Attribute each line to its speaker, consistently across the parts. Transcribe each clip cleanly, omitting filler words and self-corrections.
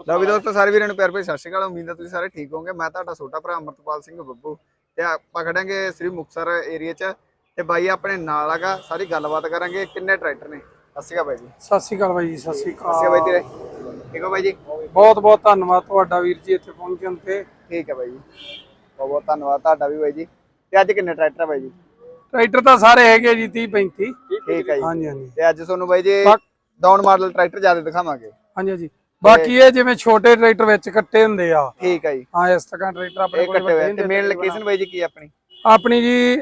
Speaker 1: ਲਓ ਵੀ ਦੋਸਤੋ ਸਾਰੇ ਵੀਰਾਂ ਨੂੰ ਪਿਆਰ ਭਰੀ ਸਤਿ ਸ਼੍ਰੀ ਅਕਾਲ। ਉਮੀਦ ਹੈ ਤੁਸੀਂ ਸਾਰੇ ਠੀਕ ਹੋਵੋਗੇ। ਮੈਂ ਤੁਹਾਡਾ ਛੋਟਾ ਭਰਾ ਅਮਰਤਪਾਲ ਸਿੰਘ ਬੱਬੂ ਤੇ ਆਪਾਂ ਖੜਾਂਗੇ ਸ੍ਰੀ ਮੁਕਤਸਰ ਏਰੀਆ 'ਚ ਤੇ ਬਾਈ ਆਪਣੇ ਨਾਲ ਹੈਗਾ। ਸਾਰੀ ਗੱਲਬਾਤ ਕਰਾਂਗੇ। ਕਿੰਨੇ ਟਰੈਕਟਰ ਨੇ? ਸਤਿ ਸ਼੍ਰੀ ਅਕਾਲ ਬਾਈ ਜੀ।
Speaker 2: ਸਤਿ ਸ਼੍ਰੀ ਅਕਾਲ ਬਾਈ ਜੀ। ਸਤਿ ਸ਼੍ਰੀ
Speaker 1: ਸਤਿ ਸ਼੍ਰੀ ਅਕਾਲ ਬਾਈ
Speaker 2: ਅਕਾਲ।
Speaker 1: ਤੇਰੇ ਠੀਕ ਹੋ ਬਾਈ ਜੀ?
Speaker 2: ਬਹੁਤ ਬਹੁਤ ਧੰਨਵਾਦ ਤੁਹਾਡਾ ਵੀਰ ਜੀ ਇੱਥੇ ਪਹੁੰਚਣ ਤੇ।
Speaker 1: ਠੀਕ ਹੈ ਬਾਈ ਜੀ, ਬਹੁਤ ਬਹੁਤ ਧੰਨਵਾਦ ਤੁਹਾਡਾ ਵੀ ਬਾਈ ਜੀ। ਤੇ ਅੱਜ ਕਿੰਨੇ ਟਰੈਕਟਰ ਹੈ ਬਾਈ ਜੀ?
Speaker 2: ਟਰੈਕਟਰ ਤਾਂ ਸਾਰੇ ਹੈਗੇ ਜੀ 30 35।
Speaker 1: ਠੀਕ ਹੈ ਜੀ।
Speaker 2: ਹਾਂਜੀ ਹਾਂਜੀ
Speaker 1: ਤੇ ਅੱਜ ਤੁਹਾਨੂੰ ਬਾਈ ਜੀ ਡਾਊਨ ਮਾਡਲ ਟਰੈਕਟਰ ਜ਼ਿਆਦਾ ਦਿਖਾਵਾਂਗੇ।
Speaker 2: ਹਾਂਜੀ ਹਾਂਜੀ। ਬਾਕੀ ਇਹ ਜਿਵੇਂ ਛੋਟੇ ਟਰੈਕਟਰ ਵਿੱਚ ਕੱਟੇ ਹੁੰਦੇ ਆ।
Speaker 1: ਠੀਕ ਹੈ ਜੀ।
Speaker 2: ਹਾਂ ਇਸ ਤਰ੍ਹਾਂ ਟਰੈਕਟਰ ਆਪਣੇ ਕੋਲ
Speaker 1: ਕੱਟੇ ਹੋਏ ਤੇ ਮੇਨ ਲੋਕੇਸ਼ਨ ਬਾਈ ਜੀ ਕੀ ਆਪਣੀ?
Speaker 2: ਆਪਣੀ ਜੀ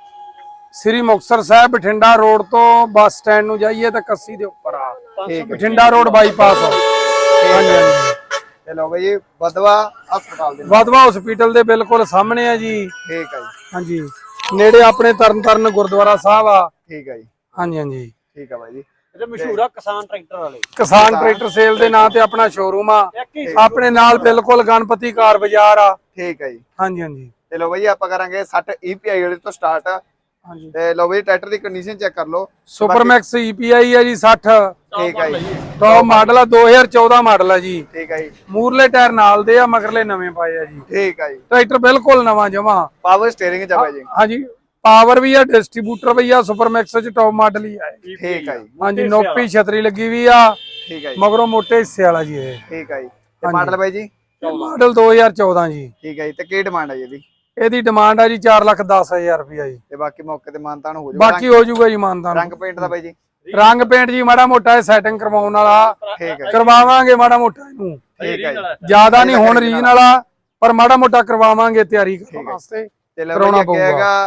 Speaker 2: ਸ੍ਰੀ ਮੁਕਤਸਰ ਸਾਹਿਬ ਬਠਿੰਡਾ ਰੋਡ ਤੋਂ ਬੱਸ ਸਟੈਂਡ ਨੂੰ ਜਾਈਏ ਤਾਂ ਕੱਸੀ ਦੇ ਉੱਪਰ ਆ ਬਠਿੰਡਾ ਰੋਡ ਬਾਈਪਾਸ। ਹਾਂਜੀ ਹਾਂਜੀ।
Speaker 1: ਚਲੋ ਬਾਈ ਜੀ ਵਦਵਾ ਹਸਪਤਾਲ ਦੇ
Speaker 2: ਵਦਵਾ ਹਸਪੀਟਲ ਦੇ ਬਿਲਕੁਲ ਸਾਹਮਣੇ ਆ ਜੀ।
Speaker 1: ਠੀਕ ਹੈ ਜੀ।
Speaker 2: ਹਾਂਜੀ ਨੇੜੇ ਆਪਣੇ ਤਰਨਤਾਰਨ ਗੁਰਦੁਆਰਾ ਸਾਹਿਬ ਆ।
Speaker 1: ਠੀਕ ਹੈ ਜੀ।
Speaker 2: ਹਾਂਜੀ ਹਾਂਜੀ।
Speaker 1: ਠੀਕ ਹੈ ਬਾਈ ਜੀ।
Speaker 3: ਇਹ ਮਸ਼ਹੂਰ ਆ ਕਿਸਾਨ ਟਰੈਕਟਰ ਵਾਲੇ।
Speaker 2: ਕਿਸਾਨ ਟਰੈਕਟਰ ਸੇਲ ਦੇ ਨਾਂ ਤੇ ਆਪਣਾ ਸ਼ੋਰੂਮ ਆ। ਆਪਣੇ ਨਾਲ ਬਿਲਕੁਲ ਗਣਪਤੀ ਕਾਰ ਬਾਜ਼ਾਰ ਆ।
Speaker 1: ਠੀਕ ਹੈ ਜੀ।
Speaker 2: ਹਾਂਜੀ ਹਾਂਜੀ।
Speaker 1: ਤੇ ਲੋ ਬਾਈ ਆਪਾਂ ਕਰਾਂਗੇ 60 EPI ਵਾਲੇ ਤੋਂ ਸਟਾਰਟ।
Speaker 2: ਹਾਂਜੀ
Speaker 1: ਤੇ ਲੋ ਬਾਈ ਟਰੈਕਟਰ ਦੀ ਕੰਡੀਸ਼ਨ ਚੈੱਕ ਕਰ ਲਓ।
Speaker 2: ਸੁਪਰ ਮੈਕਸ EPI ਆ ਜੀ 60।
Speaker 1: ਠੀਕ ਹੈ ਜੀ।
Speaker 2: ਟੌਪ ਮਾਡਲ ਆ 2014 ਮਾਡਲ ਆ ਜੀ।
Speaker 1: ਠੀਕ ਹੈ ਜੀ।
Speaker 2: ਮੂਰਲੇ ਟਾਇਰ ਨਾਲ ਦੇ ਆ ਮਗਰਲੇ ਨਵੇਂ ਪਾਏ ਆ ਜੀ।
Speaker 1: ਠੀਕ ਹੈ ਜੀ।
Speaker 2: ਟਰੈਕਟਰ ਬਿਲਕੁਲ ਨਵਾਂ ਜਮਾ।
Speaker 1: ਪਾਵਰ ਸਟੀਅਰਿੰਗ ਚ ਬਾਈ ਜੀ।
Speaker 2: ਹਾਂਜੀ ਪਾਵਰ ਵੀ ਆ ਡਿਸਟ੍ਰੀਬਿਊਟਰ ਵੀ ਆ ਸੁਪਰ ਮੈਕਸ ਚ ਟੌਪ ਮਾਡਲ ਹੀ ਆ।
Speaker 1: ਠੀਕ ਹੈ ਜੀ।
Speaker 2: ਹਾਂਜੀ ਨੋਪੀ ਛਤਰੀ ਲੱਗੀ ਵੀ ਆ।
Speaker 1: ਠੀਕ ਹੈ ਜੀ।
Speaker 2: ਮਗਰੋਂ ਮੋਟੇ ਹਿੱਸੇ ਵਾਲਾ ਜੀ ਇਹ।
Speaker 1: ਠੀਕ ਹੈ ਜੀ। ਤੇ ਮਾਡਲ ਬਾਈ ਜੀ?
Speaker 2: ਮਾਡਲ 2014 ਜੀ।
Speaker 1: ਠੀਕ ਹੈ ਜੀ। ਤੇ ਕੀ ਡਿਮਾਂਡ ਹੈ ਜੀ ਇਹਦੀ?
Speaker 2: ਇਹਦੀ ਡਿਮਾਂਡ ਆ ਜੀ 4,10,000 ਰੁਪਇਆ ਜੀ।
Speaker 1: ਤੇ ਬਾਕੀ ਮੌਕੇ ਤੇ ਮਾਨਤਾਨ ਹੋ ਜਾਊਗਾ?
Speaker 2: ਬਾਕੀ ਹੋ ਜਾਊਗਾ ਜੀ ਮਾਨਤਾਨ।
Speaker 1: ਰੰਗ ਪੇਂਟ ਦਾ ਬਾਈ ਜੀ?
Speaker 2: ਰੰਗ ਪੇਂਟ ਜੀ ਮਾੜਾ ਮੋਟਾ ਸੈਟਿੰਗ ਕਰਵਾਉਣ ਵਾਲਾ।
Speaker 1: ਠੀਕ ਹੈ।
Speaker 2: ਕਰਵਾਵਾਂਗੇ ਮਾੜਾ ਮੋਟਾ ਇਹਨੂੰ।
Speaker 1: ਠੀਕ ਹੈ।
Speaker 2: ਜਿਆਦਾ ਨਹੀਂ ਹੁਣ ਰੀਜਨ ਵਾਲਾ ਪਰ ਮਾੜਾ ਮੋਟਾ ਕਰਵਾਵਾਂਗੇ ਤਿਆਰੀ ਕਰਨ ਵਾਸਤੇ।
Speaker 1: ਤੇ ਲਓ ਬਾਈ ਅੱਗੇ ਹੈਗਾ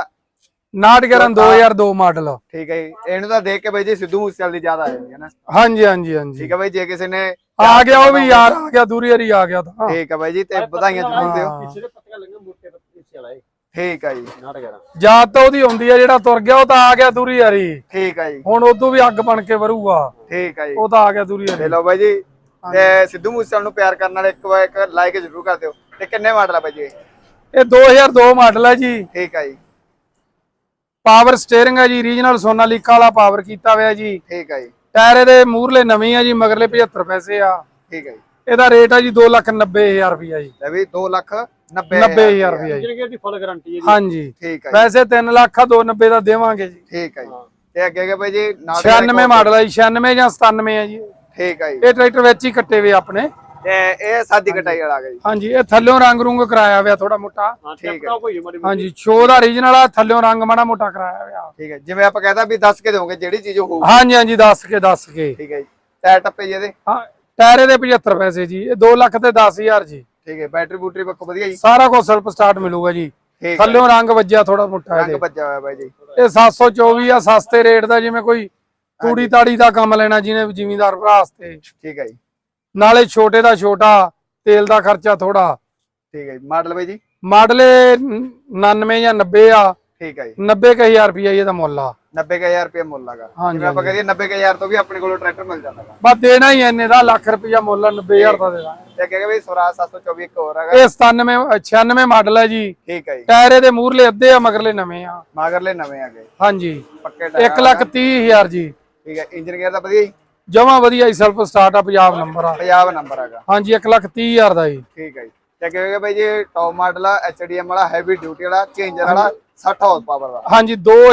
Speaker 2: 911 2002 ਮਾਡਲ।
Speaker 1: ਠੀਕ ਹੈ ਜੀ। ਇਹਨੂੰ ਤਾਂ ਦੇਖ ਕੇ ਬਾਈ ਜੀ ਸਿੱਧੂ ਮੂਸੇਵਾਲੇ ਦੀ ਯਾਦ ਆ ਜਾਂਦੀ ਹੈ ਨਾ?
Speaker 2: ਹਾਂਜੀ ਹਾਂਜੀ ਹਾਂਜੀ।
Speaker 1: ਠੀਕ ਹੈ ਬਾਈ। ਜੇ ਕਿਸੇ ਨੇ
Speaker 2: ਆ ਗਿਆ ਉਹ ਵੀ ਯਾਰ ਆ ਗਿਆ ਦੂਰੀ ਹਰੀ ਆ ਗਿਆ ਤਾਂ।
Speaker 1: ਠੀਕ ਹੈ ਬਾਈ ਜੀ। ਤੇ ਵਧਾਈਆਂ ਜ਼ਰੂਰ ਦਿਓ।
Speaker 3: ਪਿੱਛੇ ਦੇ ਪੱਤੀਆਂ ਲੱਗੀਆਂ ਮੋਟੇ ਹਿੱਸੇ ਵਾਲਾ ਇਹ।
Speaker 1: ਠੀਕ ਹੈ ਜੀ।
Speaker 3: 911
Speaker 2: ਯਾਦ ਤਾਂ ਉਹਦੀ ਹੁੰਦੀ ਆ ਜਿਹੜਾ ਤੁਰ ਗਿਆ ਉਹ ਤਾਂ ਆ ਗਿਆ ਦੂਰੀ ਹਰੀ।
Speaker 1: ਠੀਕ ਹੈ ਜੀ।
Speaker 2: ਹੁਣ ਉਦੋਂ ਵੀ ਅੱਗ ਬਣ ਕੇ ਵਰੂਗਾ।
Speaker 1: ਠੀਕ ਹੈ ਜੀ।
Speaker 2: ਉਹ ਤਾਂ ਆ ਗਿਆ ਦੂਰੀ ਹਰੀ।
Speaker 1: ਤੇ ਲਓ ਬਾਈ ਜੀ ਤੇ ਸਿੱਧੂ ਮੂਸੇਵਾਲੇ ਨੂੰ ਪਿਆਰ ਕਰਨ ਵਾਲੇ ਇੱਕ ਵਾਰ ਇੱਕ ਲਾਈਕ ਜ਼ਰੂਰ ਕਰ ਦਿਓ। ਤੇ ਕਿੰਨੇ ਮਾਡਲ ਆ ਬਾਈ ਜੀ?
Speaker 2: ਇਹ 2002 ਮਾਡਲ ਹੈ ਜੀ।
Speaker 1: ਠੀਕ ਹੈ ਜੀ।
Speaker 2: ਪਾਵਰ ਸਟੀਅਰਿੰਗ ਹੈ ਜੀ। ਰੀਜਨਲ ਸੋਨਾਲੀਕਾ ਵਾਲਾ ਪਾਵਰ ਕੀਤਾ ਹੋਇਆ ਜੀ।
Speaker 1: ਠੀਕ ਹੈ ਜੀ।
Speaker 2: ਟਾਇਰ ਇਹਦੇ ਮੂਹਰਲੇ ਨਵੇਂ ਆ ਜੀ ਮਗਰਲੇ 75 ਪੈਸੇ ਆ।
Speaker 1: ਠੀਕ ਹੈ ਜੀ।
Speaker 2: ਇਹਦਾ ਰੇਟ ਆ ਜੀ 2,90,000 ਰੁਪਇਆ ਜੀ।
Speaker 1: ਲੈ ਵੀ 2,90,000
Speaker 2: 90,000 ਰੁਪਇਆ ਜੀ।
Speaker 3: ਇੰਜਨ ਦੀ ਫੁੱਲ ਗਾਰੰਟੀ ਹੈ ਜੀ।
Speaker 2: ਹਾਂਜੀ
Speaker 1: ਠੀਕ ਹੈ ਜੀ।
Speaker 2: ਵੈਸੇ 3 ਲੱਖ ਆ 290 ਦਾ ਦੇਵਾਂਗੇ ਜੀ।
Speaker 1: ਠੀਕ ਹੈ ਜੀ। ਤੇ ਅੱਗੇ ਬਾਈ ਜੀ
Speaker 2: 96 ਮਾਡਲ ਆ ਜੀ 96 ਜਾਂ 97 ਆ ਜੀ।
Speaker 1: ਠੀਕ ਹੈ ਜੀ।
Speaker 2: ਇਹ ਟਰੈਕਟਰ ਵਿੱਚ ਹੀ ਕੱਟੇ ਵੇ ਆਪਣੇ।
Speaker 1: ਤੇ ਇਹ ਸਾਦੀ ਕਟਾਈ ਵਾਲਾ ਆ ਗਿਆ ਜੀ।
Speaker 2: ਹਾਂਜੀ ਇਹ ਥੱਲਿਓਂ ਰੰਗ ਰੂੰਗ ਕਰਾਇਆ ਹੋਇਆ ਥੋੜਾ ਮੋਟਾ।
Speaker 1: ਠੀਕ ਹੈ।
Speaker 2: ਹਾਂਜੀ ਸ਼ੋ ਦਾ ਰੀਜਨਲ ਆ ਥੱਲਿਓਂ ਰੰਗ ਮਾੜਾ ਮੋਟਾ ਕਰਾਇਆ ਹੋਇਆ।
Speaker 1: ਠੀਕ ਹੈ। ਜਿਵੇਂ ਆਪਾਂ ਕਹਿੰਦਾ ਵੀ ਦੱਸ ਕੇ ਦੋਗੇ ਜਿਹੜੀ ਚੀਜ਼ ਹੋਊ।
Speaker 2: ਹਾਂਜੀ ਹਾਂਜੀ ਦੱਸ ਕੇ
Speaker 1: ਠੀਕ ਹੈ ਜੀ। ਟਾਇਰ ਟੱਪੇ ਜੀ ਇਹਦੇ?
Speaker 2: ਹਾਂ ਟਾਇਰ ਇਹਦੇ 75 ਪੈਸੇ ਜੀ। ਇਹ 2,10,000 ਜੀ।
Speaker 1: ਠੀਕ ਹੈ। ਬੈਟਰੀ ਬੂਟਰੀ ਪੱਕੋ ਵਧੀਆ ਜੀ?
Speaker 2: ਸਾਰਾ ਕੁਝ ਸੈਲਫ ਸਟਾਰਟ ਮਿਲੂਗਾ ਜੀ। ਥੱਲਿਓਂ ਰੰਗ ਵੱਜਿਆ ਥੋੜਾ ਮੋਟਾ
Speaker 1: ਰੰਗ ਵੱਜਿਆ ਹੋਇਆ ਬਾਈ ਜੀ।
Speaker 2: ਇਹ 724 ਆ ਸਸਤੇ ਰੇਟ ਦਾ ਜਿਵੇਂ ਕੋਈ ਤੂੜੀ ਤਾੜੀ ਦਾ ਕੰਮ ਲੈਣਾ ਜਿਹਨੇ ਜ਼ਿਮੀਂਦਾਰ ਭਰਾ ਵਾਸਤੇ।
Speaker 1: ਠੀਕ ਹੈ ਜੀ।
Speaker 2: ਨਾਲੇ ਛੋਟੇ ਦਾ ਛੋਟਾ ਤੇਲ ਦਾ ਖਰਚਾ ਥੋੜਾ।
Speaker 1: ਠੀਕ ਹੈ ਜੀ। ਮਾਡਲ ਬਾਈ ਜੀ?
Speaker 2: ਮਾਡਲ 99 ਜਾਂ 90 ਆ।
Speaker 1: ਠੀਕ ਹੈ ਜੀ।
Speaker 2: 90,000 ਰੁਪਇਆ ਇਹਦਾ ਮੁੱਲ ਆ।
Speaker 1: 90,000 ਰੁਪਏ ਮੁੱਲ ਹੈਗਾ।
Speaker 2: ਹਾਂਜੀ,
Speaker 1: ਜਿਵੇਂ ਆਪਾਂ ਕਹੀਏ 90,000 ਤੋਂ ਵੀ ਆਪਣੇ ਕੋਲੋਂ ਟਰੈਕਟਰ ਮਿਲ ਜਾਂਦਾ ਹੈਗਾ।
Speaker 2: ਬਸ ਦੇਣਾ ਹੀ ਇੰਨੇ ਦਾ ਲੱਖ ਰੁਪਇਆ ਮੁੱਲ ਆ 90,000 ਦਾ ਦੇ ਦਾਂਗੇ।
Speaker 1: ਤੇ ਕਹੇਗਾ ਵੀ ਸਵਰਾਜ 724 ਇੱਕ ਹੋਰ ਹੈਗਾ।
Speaker 2: ਇਹ 96 ਮਾਡਲ ਹੈ ਜੀ।
Speaker 1: ਠੀਕ ਹੈ ਜੀ।
Speaker 2: ਟਾਇਰ ਇਹਦੇ ਮੂਹਰਲੇ ਅੱਧੇ ਆ ਮਗਰਲੇ ਨਵੇਂ ਆ।
Speaker 1: ਮਗਰਲੇ ਨਵੇਂ ਆ ਗਏ।
Speaker 2: ਹਾਂਜੀ
Speaker 1: ਪੱਕੇ ਟਾਇਰ।
Speaker 2: 1,30,000 ਜੀ।
Speaker 1: ਠੀਕ ਹੈ। ਇੰਜਨ ਗੇਅਰ ਦਾ ਵਧੀਆ ਜੀ?
Speaker 2: ਜਮਾ ਵਧੀਆ ਹੀ ਸੈਲਫ ਸਟਾਰਟ ਆ ਪੰਜਾਬ ਨੰਬਰ ਆ।
Speaker 1: ਪੰਜਾਬ ਨੰਬਰ ਹੈਗਾ।
Speaker 2: ਹਾਂਜੀ 1,30,000 ਦਾ ਜੀ।
Speaker 1: ਠੀਕ ਹੈ ਜੀ। ਤੇ ਕਹੇਗਾ ਬਾਈ ਜੀ ਟੌਪ ਮਾਡਲ ਆ HDM ਵਾਲਾ ਹੈਵੀ ਡਿਊਟੀ ਵਾਲਾ ਚੇਂਜਰ ਵਾਲਾ 60 ਹਾਰਸ ਪਾਵਰ ਦਾ।
Speaker 2: ਹਾਂਜੀ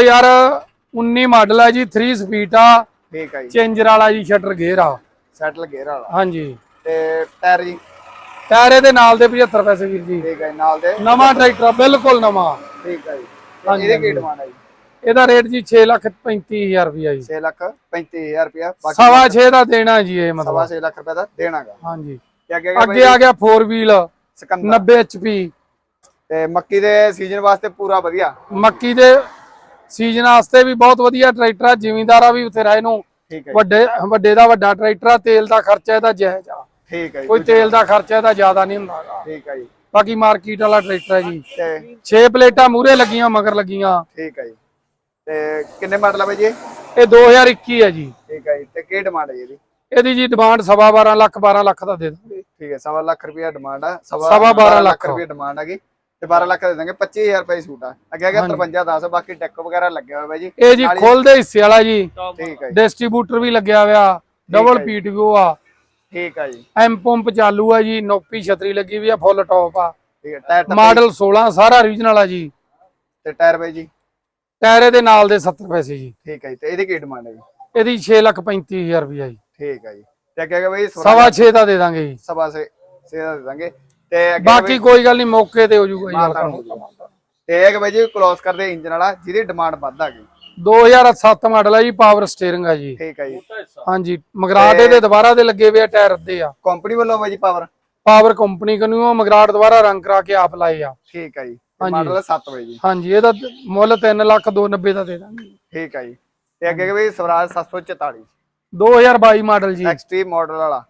Speaker 2: 2019 ਮਾਡਲ ਹੈ ਜੀ 3 ਸਪੀਡ ਆ।
Speaker 1: ਠੀਕ ਹੈ ਜੀ।
Speaker 2: ਚੇਂਜਰ ਵਾਲਾ ਜੀ ਸ਼ਟਰ ਗੇਅਰ ਆ।
Speaker 1: ਸੈਟਲ ਗੇਅਰ ਵਾਲਾ।
Speaker 2: ਹਾਂਜੀ
Speaker 1: ਤੇ ਟਾਇਰ ਜੀ?
Speaker 2: ਟਾਇਰ ਇਹਦੇ ਨਾਲ ਦੇ 75 ਪੈਸੇ ਵੀਰ ਜੀ।
Speaker 1: ਠੀਕ ਹੈ ਜੀ। ਨਾਲ ਦੇ
Speaker 2: ਨਵਾਂ ਟਰੈਕਟਰ ਆ ਬਿਲਕੁਲ ਨਵਾਂ।
Speaker 1: ਠੀਕ ਹੈ ਜੀ। ਇਹਦੇ ਕੀ ਡਿਮਾਂਡ ਹੈ ਜੀ?
Speaker 2: ਇਹਦਾ ਰੇਟ ਜੀ 6,35,000 ਰੁਪਇਆ ਜੀ।
Speaker 1: 6,35,000 ਰੁਪਇਆ।
Speaker 2: 6.5 ਦਾ ਦੇਣਾ ਜੀ ਇਹ ਮਤਲਬ।
Speaker 1: 6.5 ਲੱਖ ਰੁਪਏ ਦਾ ਦੇਣਾਗਾ।
Speaker 2: ਹਾਂਜੀ
Speaker 1: ਤੇ ਅੱਗੇ
Speaker 2: ਅੱਗੇ ਆ ਗਿਆ 4 ਵੀਲ 90 HP।
Speaker 1: ਤੇ ਮੱਕੀ ਦੇ ਸੀਜ਼ਨ ਵਾਸਤੇ ਪੂਰਾ ਵਧੀਆ।
Speaker 2: ਮੱਕੀ ਦੇ ਸੀਜ਼ਨ ਵਾਸਤੇ ਵੀ ਬਹੁਤ ਵਧੀਆ ਟਰੈਕਟਰ ਆ। ਜ਼ਿਮੀਂਦਾਰਾ ਵੀ ਉੱਥੇ ਇਹਨੂੰ
Speaker 1: ਠੀਕ ਹੈ।
Speaker 2: ਵੱਡੇ ਦਾ ਵੱਡਾ ਟਰੈਕਟਰ ਆ। ਤੇਲ ਦਾ ਖਰਚਾ ਇਹਦਾ ਜਾਇਜ਼ ਆ।
Speaker 1: ਠੀਕ ਹੈ ਜੀ।
Speaker 2: ਕੋਈ ਤੇਲ ਦਾ ਖਰਚਾ ਇਹਦਾ ਜ਼ਿਆਦਾ ਨਹੀਂ ਹੁੰਦਾ।
Speaker 1: ਠੀਕ ਹੈ ਜੀ।
Speaker 2: ਬਾਕੀ ਮਾਰਕੀਟ ਵਾਲਾ ਟਰੈਕਟਰ ਹੈ ਜੀ।
Speaker 1: ਤੇ
Speaker 2: 6 ਪਲੇਟਾਂ ਮੂਹਰੇ ਲੱਗੀਆਂ ਮਗਰ ਲੱਗੀਆਂ।
Speaker 1: ਠੀਕ ਹੈ ਜੀ। ਤੇ ਕਿੰਨੇ ਮਾਡਲ ਆ ਬਾਈ ਜੀ?
Speaker 2: ਇਹ 2021 ਹੈ ਜੀ।
Speaker 1: ਠੀਕ ਹੈ ਜੀ। ਤੇ ਕੀ ਡਿਮਾਂਡ ਹੈ ਜੀ ਇਹਦੀ?
Speaker 2: ਇਹਦੀ ਜੀ ਡਿਮਾਂਡ 12.5 ਲੱਖ 12 ਲੱਖ ਦਾ ਦੇ ਦਾਂਗੇ।
Speaker 1: ਠੀਕ ਹੈ। 1.25 ਲੱਖ ਰੁਪਇਆ ਡਿਮਾਂਡ ਆ।
Speaker 2: 12.5 ਲੱਖ
Speaker 1: ਰੁਪਇਆ ਡਿਮਾਂਡ ਹੈਗੀ। ਤੇ 12 ਲੱਖ ਦੇ ਦਾਂਗੇ। 25,000 ਰੁਪਏ ਸੂਟ ਆ। ਅੱਗੇ ਆ ਗਿਆ 5310। ਬਾਕੀ ਟੈਕ ਵਗੈਰਾ ਲੱਗਿਆ ਹੋਇਆ ਬਾਈ ਜੀ।
Speaker 2: ਇਹ ਜੀ ਖੁੱਲਦੇ ਹਿੱਸੇ ਵਾਲਾ ਜੀ।
Speaker 1: ਠੀਕ ਹੈ ਜੀ।
Speaker 2: ਡਿਸਟ੍ਰੀਬਿਊਟਰ ਵੀ ਲੱਗਿਆ ਹੋਇਆ। ਡਬਲ PTO ਆ।
Speaker 1: ਠੀਕ ਆ ਜੀ।
Speaker 2: ਐਮ ਪੰਪ ਚਾਲੂ ਆ ਜੀ, ਨੋਪੀ ਛਤਰੀ ਲੱਗੀ ਵੀ ਆ, ਫੁੱਲ ਟੌਪ ਆ,
Speaker 1: ਠੀਕ ਹੈ। ਟਾਇਰ
Speaker 2: ਮਾਡਲ 16 ਸਾਰਾ ਓਰੀਜਨਲ ਆ ਜੀ।
Speaker 1: ਤੇ ਟਾਇਰ ਬਾਈ ਜੀ?
Speaker 2: ਟਾਇਰ ਦੇ ਨਾਲ ਦੇ 70 ਪੈਸੇ ਜੀ।
Speaker 1: ਠੀਕ ਹੈ ਜੀ। ਤੇ ਇਹਦੀ ਕੀ ਡਿਮਾਂਡ ਹੈ ਜੀ?
Speaker 2: ਇਹਦੀ 6,35,000 ਰੁਪਇਆ ਜੀ।
Speaker 1: ਠੀਕ ਹੈ ਜੀ। ਤੇ ਅੱਗੇ ਬਾਈ
Speaker 2: 6.5 ਦਾ ਦੇ ਦਾਂਗੇ ਜੀ।
Speaker 1: ਸਵਾ ਸੇ ਦਾ ਦੇ ਦਾਂਗੇ। ਤੇ ਅੱਗੇ
Speaker 2: ਬਾਕੀ ਕੋਈ ਗੱਲ ਨਹੀਂ, ਮੌਕੇ ਤੇ ਹੋ ਜਾਊਗਾ ਜੀ।
Speaker 1: ਮਾਨਤਾਨ ਹੋ ਜਾਊਗਾ। ਤੇ ਇੱਕ ਬਾਈ ਜੀ ਕਲੋਸ ਕਰਦੇ ਇੰਜਨ ਵਾਲਾ, ਜਿਹਦੀ ਡਿਮਾਂਡ ਵੱਧ ਆ ਗਈ।
Speaker 2: 2007 ਮਾਡਲ ਆ ਜੀ, ਪਾਵਰ ਸਟੀਅਰਿੰਗ ਆ ਜੀ।
Speaker 1: ਠੀਕ ਹੈ ਜੀ।
Speaker 2: ਹਾਂਜੀ, ਮਗਰਾਟ ਇਹਦੇ ਦੁਬਾਰਾ ਦੇ ਲੱਗੇ ਹੋਏ ਆ, ਟਾਇਰ ਅੱਧੇ ਆ।
Speaker 1: ਕੰਪਨੀ ਵੱਲੋਂ ਬਾਈ ਜੀ
Speaker 2: ਪਾਵਰ ਕੰਪਨੀ ਕਨੂੰ ਮਗਰਾਟ ਦੁਬਾਰਾ ਰੰਗ ਕਰਾ ਕੇ ਆਪ ਲਾਏ ਆ।
Speaker 1: ਠੀਕ ਹੈ ਜੀ। ਮਾਡਲ 7 ਬਾਈ ਜੀ।
Speaker 2: ਹਾਂਜੀ, ਇਹਦਾ ਮੁੱਲ 3,290,000 ਦਾ ਦੇ ਦਾਂਗੇ।
Speaker 1: ਠੀਕ ਹੈ ਜੀ। ਤੇ ਅੱਗੇ ਬਾਈ ਸਵਰਾਜ 744
Speaker 2: 2022 ਮਾਡਲ ਜੀ।
Speaker 1: ਐਕਸਟ੍ਰੀਮ ਮਾਡਲ ਵਾਲਾ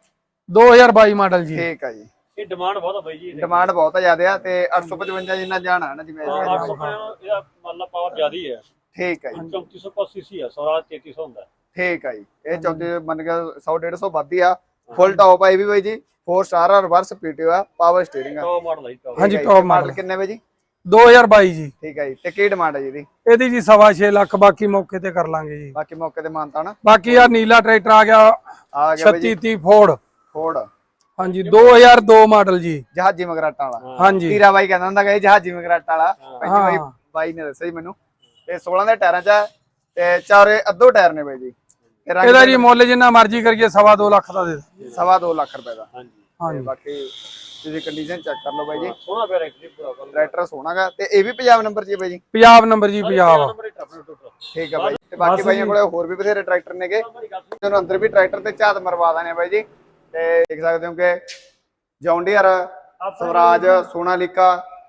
Speaker 2: 2022 ਮਾਡਲ ਜੀ।
Speaker 1: ਠੀਕ ਹੈ ਜੀ।
Speaker 3: ਇਹ ਡਿਮਾਂਡ ਬਹੁਤ ਆ ਬਾਈ ਜੀ।
Speaker 1: ਡਿਮਾਂਡ ਬਹੁਤ ਜ਼ਿਆਦਾ ਆ। ਤੇ 855 ਜਿੰਨਾ ਜਾਣਾ ਹੈ ਨਾ ਜਿਵੇਂ
Speaker 3: 800 ਇਹਦਾ ਮਤਲਬ ਪਾਵਰ ਜ਼ਿਆਦਾ ਹੀ ਹੈ।
Speaker 1: ਠੀਕ ਹੈ ਜੀ।
Speaker 3: 3400 ਸੀਸੀ ਆ, ਸਵਰਾਜ 3300 ਹੁੰਦਾ।
Speaker 1: ਠੀਕ ਹੈ ਜੀ। ਇਹ 34 ਮੰਨ ਕੇ 100-150 ਵੱਧ ਹੀ ਆ। ਫੁੱਲ ਟੌਪ ਆ ਇਹ ਵੀ ਬਾਈ ਜੀ, 4 ਸਟਾਰ ਆ, ਰਿਵਰਸ ਪੀਟੀਓ ਆ, ਪਾਵਰ ਸਟੀਅਰਿੰਗ ਆ।
Speaker 3: ਟੌਪ ਮਾਡਲ ਹੈ ਜੀ।
Speaker 2: ਹਾਂਜੀ, ਟੌਪ ਮਾਡਲ
Speaker 1: ਕਿੰਨੇ ਬਾਈ ਜੀ?
Speaker 2: 2022 ਜੀ।
Speaker 1: ਠੀਕ ਹੈ ਜੀ। ਤੇ ਕੀ ਡਿਮਾਂਡ ਹੈ ਜੀ ਇਹਦੀ?
Speaker 2: ਇਹਦੀ ਜੀ 6.5 ਲੱਖ, ਬਾਕੀ ਮੌਕੇ ਤੇ ਕਰ ਲਾਂਗੇ ਜੀ।
Speaker 1: ਬਾਕੀ ਮੌਕੇ ਤੇ ਮਾਨਤਾ ਨਾ।
Speaker 2: ਬਾਕੀ ਆ ਨੀਲਾ ਟਰੈਕਟਰ ਆ ਗਿਆ
Speaker 1: ਆ ਗਿਆ ਬਾਈ ਜੀ
Speaker 2: 3630 ਫੋਰਡ।
Speaker 1: ਫੋਰਡ।
Speaker 2: ਹਾਂਜੀ, 2002 ਮਾਡਲ ਜੀ।
Speaker 1: ਜਹਾਜੀ ਮਗਰਾਟਾਂ ਵਾਲਾ।
Speaker 2: ਹਾਂਜੀ,
Speaker 1: ਤੀਰਾ ਬਾਈ ਕਹਿੰਦਾ ਹੁੰਦਾ ਕਿ ਜਹਾਜੀ ਮਗਰਾਟਾਂ ਵਾਲਾ। ਬਾਈ
Speaker 2: ਹਾਂ।
Speaker 1: ਬਾਈ ਨੇ ਦੱਸਿਆ ਜੀ ਮੈਨੂੰ। ਤੇ 16 ਦੇ ਟਾਇਰਾਂ 'ਚ ਆ, ਤੇ ਚਾਰੇ ਅੱਧੋ ਟਾਇਰ ਨੇ ਬਾਈ ਜੀ। ਤੇ ਰੰਗ
Speaker 2: ਇਹਦਾ ਜੀ ਮੁੱਲ ਜਿੰਨਾ ਮਰਜ਼ੀ ਕਰੀਏ 2.5 ਲੱਖ ਦਾ ਦੇ ਦਾਂਗੇ।
Speaker 1: 2.5 ਲੱਖ ਰੁਪਏ ਦਾ।
Speaker 3: ਹਾਂਜੀ।
Speaker 1: ਤੇ
Speaker 2: ਹਾਂਜੀ,
Speaker 1: ਬਾਕੀ ਤੁਸੀਂ ਕੰਡੀਸ਼ਨ ਚੈੱਕ ਕਰ ਲਓ ਬਾਈ ਜੀ।
Speaker 3: ਸੋਹਣਾ ਪਿਆ ਰੈਕਟਰੀ ਪੂਰਾ ਕਰ
Speaker 1: ਟਰੈਕਟਰ ਸੋਹਣਾਗਾ। ਤੇ ਇਹ ਵੀ ਪੰਜਾਬ ਨੰਬਰ 'ਚ ਹੀ ਬਾਈ ਜੀ?
Speaker 2: ਪੰਜਾਬ ਨੰਬਰ ਜੀ, ਪੰਜਾਬ।
Speaker 3: Number total.
Speaker 1: ਠੀਕ ਹੈ ਬਾਈ। ਤੇ ਬਾਕੀ ਬਾਈਆਂ ਕੋਲੇ ਹੋਰ ਵੀ ਬਥੇਰੇ ਟਰੈਕਟਰ ਨੇਗੇ, ਤੁਹਾਨੂੰ ਅੰਦਰ ਵੀ ਟਰੈਕਟਰ ਤੇ ਝਾਤ ਮਰਵਾ ਦਾਨੇ ਬਾਈ ਜੀ। ਤੇ ਦੇਖ ਸਕਦੇ ਹੋ ਕਿ ਜੌਨ ਡੀਅਰ, ਸਵਰਾਜ, ਸੋਨਾਲੀਕਾ,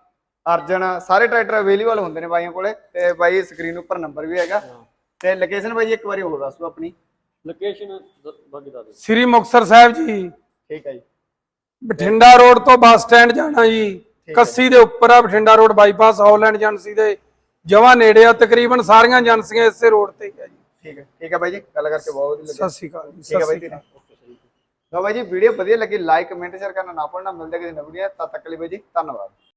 Speaker 1: ਅਰਜਨ ਸਾਰੇ ਟਰੈਕਟਰ ਅਵੇਲੇਬਲ ਹੁੰਦੇ ਨੇ ਬਾਈਆਂ ਕੋਲੇ। ਤੇ ਬਾਈ ਸਕਰੀਨ ਉੱਪਰ ਨੰਬਰ ਵੀ ਹੈਗਾ। ਤੇ ਲੋਕੇਸ਼ਨ ਬਾਈ ਜੀ ਇੱਕ ਵਾਰੀ ਹੋਰ ਦੱਸ ਦਿਓ ਆਪਣੀ।
Speaker 3: ਲੋਕੇਸ਼ਨ ਬਾਕੀ ਦੱਸ ਦਿਓ।
Speaker 2: ਸ੍ਰੀ ਮੁਕਤਸਰ ਸਾਹਿਬ ਜੀ,
Speaker 1: ਠੀਕ ਹੈ ਜੀ।
Speaker 2: ਬਠਿੰਡਾ ਰੋਡ ਤੋਂ ਬੱਸ ਸਟੈਂਡ ਜਾਣਾ ਜੀ, ਕੱਸੀ ਦੇ ਉੱਪਰ ਆ। Bathinda road bypass Holland agency ਦੇ ਜਮਾਂ ਨੇੜੇ ਆ। ਤਕਰੀਬਨ ਸਾਰੀਆਂ ਏਜੰਸੀਆਂ ਇਸੇ ਰੋਡ ਤੇ ਹੀ ਆ ਜੀ।
Speaker 1: ਠੀਕ ਹੈ ਬਾਈ ਜੀ, ਗੱਲ ਕਰਕੇ ਬਹੁਤ ਵਧੀਆ ਲੱਗਿਆ।
Speaker 2: ਸਤਿ ਸ਼੍ਰੀ ਅਕਾਲ ਜੀ।
Speaker 1: ਠੀਕ ਹੈ ਬਾਈ ਜੀ। ਲਓ ਬਾਈ ਜੀ, ਵੀਡੀਓ ਵਧੀਆ ਲੱਗੀ ਲਾਈਕ ਕਮੈਂਟ ਸ਼ੇਅਰ ਕਰਨਾ ਨਾ ਭੁੱਲਣਾ। ਮਿਲਦੇ ਕਿਸੇ ਨਵੀਂ ਵੀਡੀਓ, ਤਦ ਤੱਕ ਲਈ ਬਾਈ ਜੀ ਧੰਨਵਾਦ।